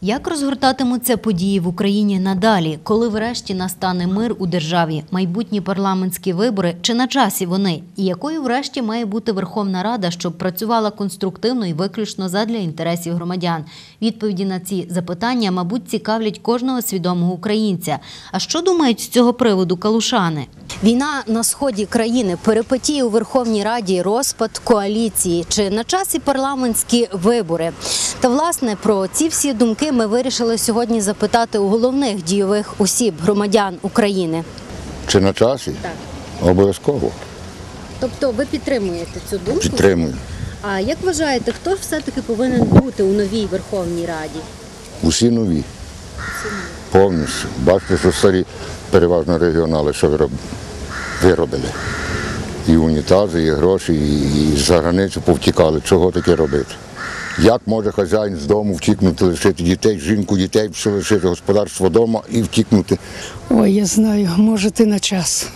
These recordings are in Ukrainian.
Як розгортатимуться події в Україні надалі? Коли врешті настане мир у державі? Майбутні парламентські вибори? Чи на часі вони? І якою врешті має бути Верховна Рада, щоб працювала конструктивно і виключно задля інтересів громадян? Відповіді на ці запитання, мабуть, цікавлять кожного свідомого українця. А що думають з цього приводу калушани? Війна на сході країни, перипетії у Верховній Раді, розпад коаліції. Чи на часі парламентські вибори? Та, власне, про ці всі думки ми вирішили сьогодні запитати у головних дійових осіб громадян України. Чи на часі? Так. Обов'язково. Тобто ви підтримуєте цю думку? Підтримую. А як вважаєте, хто ж все-таки повинен бути у новій Верховній Раді? Усі нові. Повністю. Бачите, що старі переважно регіонали, що виробили. І унітази, і гроші, і за границю повтікали. Чого таке робити? Як може хазяїн з дому втікнути, лишити дітей, жінку, дітей, все лишити господарство вдома і втікнути? Ой, я знаю, може і на час.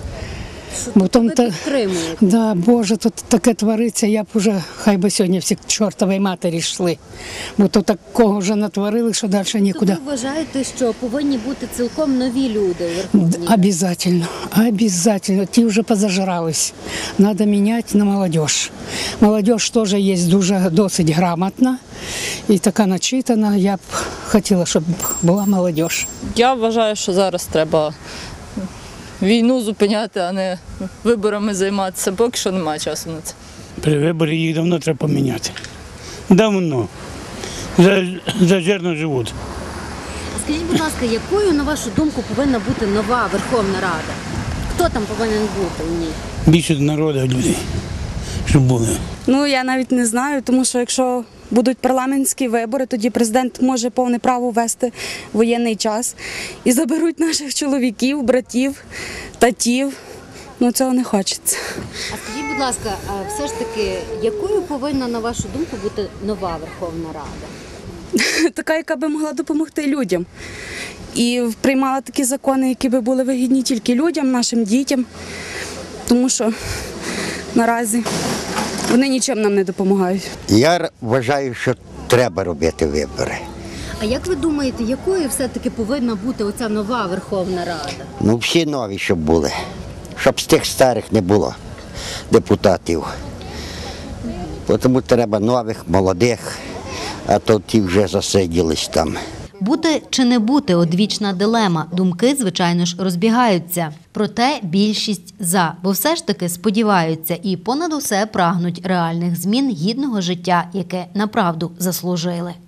Ви підтримуєте? Да, Боже, тут таке твориться, я б уже, хай би сьогодні всі к чортовій матері йшли. Бо то такого вже натворили, що далі нікуди. Ви вважаєте, що повинні бути цілком нові люди у Верховній Раді? Обязательно, обязательно. Ті вже позажрались. Надо міняти на молодіж. Молодіж теж є досить грамотна і така начитана. Я б хотіла, щоб була молодіж. Я вважаю, що зараз треба війну зупиняти, а не виборами займатися. Поки що немає часу на це. При виборі їх давно треба поміняти. Давно. Зажирно живуть. Скажіть, будь ласка, якою, на вашу думку, повинна бути нова Верховна Рада? Хто там повинен бути у ній? Більше народу людей, щоб були. Ну, я навіть не знаю, тому що якщо будуть парламентські вибори, тоді президент може повне право ввести воєнний час і заберуть наших чоловіків, братів, татів. Ну, цього не хочеться. А скажіть, будь ласка, а все ж таки, якою повинна, на вашу думку, бути нова Верховна Рада? Така, яка би могла допомогти людям. І приймала такі закони, які би були вигідні тільки людям, нашим дітям. Тому що наразі вони нічим нам не допомагають. Я вважаю, що треба робити вибори. А як ви думаєте, якою все-таки повинна бути оця нова Верховна Рада? Ну, всі нові, щоб були. Щоб з тих старих не було депутатів. Тому треба нових, молодих, а то ті вже засиділись там. Бути чи не бути – одвічна дилема. Думки, звичайно ж, розбігаються. Проте більшість «за», бо все ж таки сподіваються і понад усе прагнуть реальних змін гідного життя, яке направду заслужили.